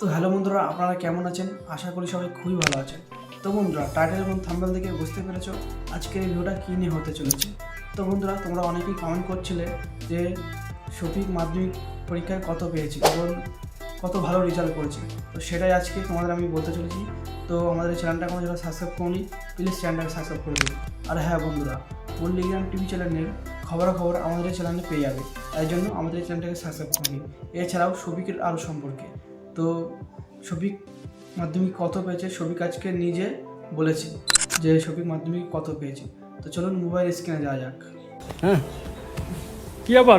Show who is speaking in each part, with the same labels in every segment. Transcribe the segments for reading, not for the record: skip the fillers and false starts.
Speaker 1: তো হ্যালো বন্ধুরা, আপনারা কেমন আছেন? আশা করি সবাই খুবই ভালো আছেন। তো বন্ধুরা, টাইটেল এবং থাম্বনেল দেখে বুঝতে পেরেছো আজকের এই ভিডিওটা কী নিয়ে হতে চলেছে। তো বন্ধুরা, তোমরা অনেকেই কমেন্ট করছিলে যে শফিক মাধ্যমিক পরীক্ষায় কত পেয়েছে এবং কত ভালো রেজাল্ট করেছে। তো সেটাই আজকে তোমাদের আমি বলতে চলেছি। তো আমাদের চ্যানেলটা কোনো যারা সাবস্ক্রাইব করনি, প্লিজ চ্যানেলটাকে সাবস্ক্রাইব করে দিন। আর হ্যাঁ বন্ধুরা, পল্লিগ্রাম টিভি চ্যানেলের খবরাখবর আমাদের এই চ্যানেলে পেয়ে যাবে, তাই জন্য আমাদের এই চ্যানেলটাকে সাবস্ক্রাইব করে নিন। এছাড়াও শফিকের আরও সম্পর্কে, তো শফিক মাধ্যমিক কত পেয়েছে শফিক আজকে নিজে বলেছে যে শফিক মাধ্যমিক কত পেয়েছে। তো চলুন মোবাইল স্ক্রিনে যাওয়া যাক।
Speaker 2: হ্যাঁ, কি আবার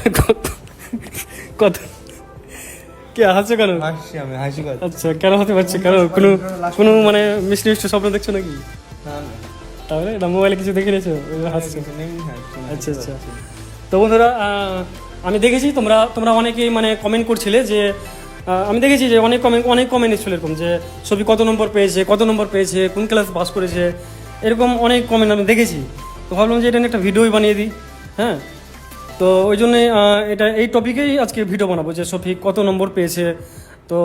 Speaker 2: কত কে হাসছো কেন?
Speaker 3: হাসছি আমি, হাসি কথা।
Speaker 2: আচ্ছা, কেন হতে পারছে? কারণ কোনো কোনো মানে মিষ্টি মিষ্টি স্বপ্ন দেখছো নাকি?
Speaker 3: না না,
Speaker 2: তাহলে না, মোবাইলে কিছু দেখে নিয়েছো হাসছো?
Speaker 3: কিছু নেই, হাসছি না।
Speaker 2: আচ্ছা আচ্ছা। তো বন্ধুরা, আমি দেখেছি তোমরা অনেকেই মানে কমেন্ট করছিলে যে আমি দেখেছি যে অনেক কমেন্ট এসেছিল এরকম যে ছবি কত নম্বর পেয়েছে, কোন ক্লাস পাস করেছে, এরকম অনেক কমেন্ট আমি দেখেছি। তো ভাবলাম যে এটা নিয়ে একটা ভিডিওই বানিয়ে দিই। হ্যাঁ, তো ওই জন্যে এই টপিকেই আজকে ভিডিও বানাবো যে শফিক কত নম্বর পেয়েছে। তো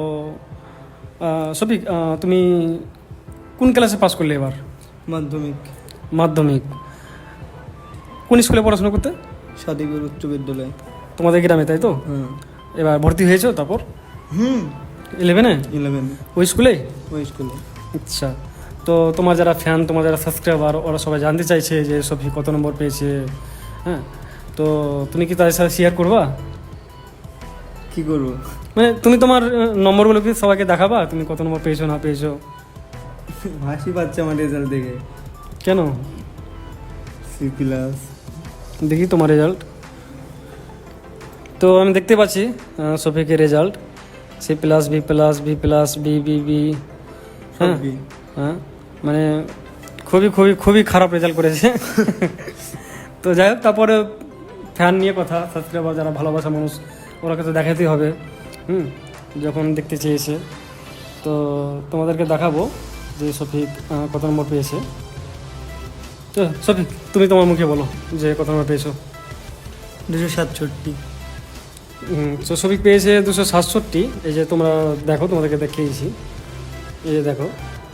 Speaker 2: শফিক, তুমি কোন ক্লাসে পাস করলে এবার? মাধ্যমিক কোন স্কুলে পড়াশোনা করতে?
Speaker 3: সাদিকুর উচ্চ বিদ্যালয়।
Speaker 2: তোমাদের গ্রামে, তাই তো? এবার ভর্তি হয়েছো তারপর 11-এ
Speaker 3: 11
Speaker 2: ওই স্কুলে?
Speaker 3: ওই স্কুলে।
Speaker 2: আচ্ছা, তো তোমার যারা ফ্যান, তোমার যারা সাবস্ক্রাইবার, ওরা সবাই জানতে চাইছে যে শফিক কত নম্বর পেয়েছে। হ্যাঁ, তো তুমি কি তাদের সাথে শেয়ার করবা?
Speaker 3: কি করবো?
Speaker 2: মানে তুমি তোমার নম্বরগুলো কি সবাইকে দেখাবা তুমি কত নম্বর পেয়েছো না পেয়েছো?
Speaker 3: হাসি পাচ্ছে আমার রেজাল্ট দেখে।
Speaker 2: কেন?
Speaker 3: C plus.
Speaker 2: দেখি তোমার রেজাল্ট। তো আমি দেখতে পাচ্ছি শফিকের result C+, B+, B+, B হ্যাঁ হ্যাঁ, মানে খুবই খারাপ রেজাল্ট করেছে। তো যাই হোক, তারপরে ফ্যান নিয়ে কথা, সাবস্ক্রাইবার যারা ভালোবাসা মানুষ, ওরাকে তো দেখাতেই হবে। যখন দেখতে চেয়েছে, তো তোমাদেরকে দেখাবো যে শফিক কত নম্বর পেয়েছে। তো শফিক, তুমি তোমার মুখে বলো যে কত নম্বর পেয়েছো।
Speaker 3: 267।
Speaker 2: তো শফিক পেয়েছে 267। এই যে তোমরা দেখো, তোমাদেরকে দেখিয়েছি, এই যে দেখো।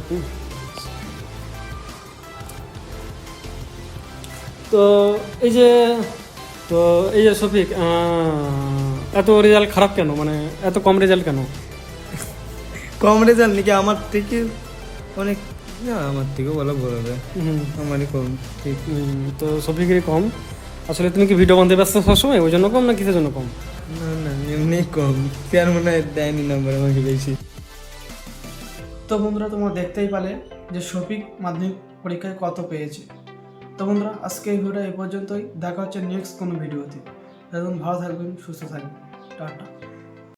Speaker 2: তো এই যে শফিক, এত রেজাল্ট খারাপ কেন, মানে এত কম রেজাল্ট কেন?
Speaker 3: কম রেজাল্ট নাকি? আমার থেকে অনেক, না আমার থেকেও বলা ভুল হবে। আমারই কম, ঠিক।
Speaker 2: তো শফিকেরই কম। আসলে তুমি কি ভিডিও বানতে ব্যস্ত সবসময়, ওই জন্য কম না কিসের জন্য কম?
Speaker 3: না না, এমনি কম। স্যার মনে হয় দেয়নি নাম্বার আমাকে বেশি।
Speaker 1: তো বন্ধুরা, তোমরা দেখতেই পালে যে শফিক মাধ্যমিক পরীক্ষায় কত পেয়েছে। তো বন্ধুরা, আজকে এই ভিডিওটা এই পর্যন্তই। দেখা হচ্ছে নেক্সট কোনো ভিডিওতে। তখন ভালো থাকবেন, সুস্থ থাকবেন, টাটা।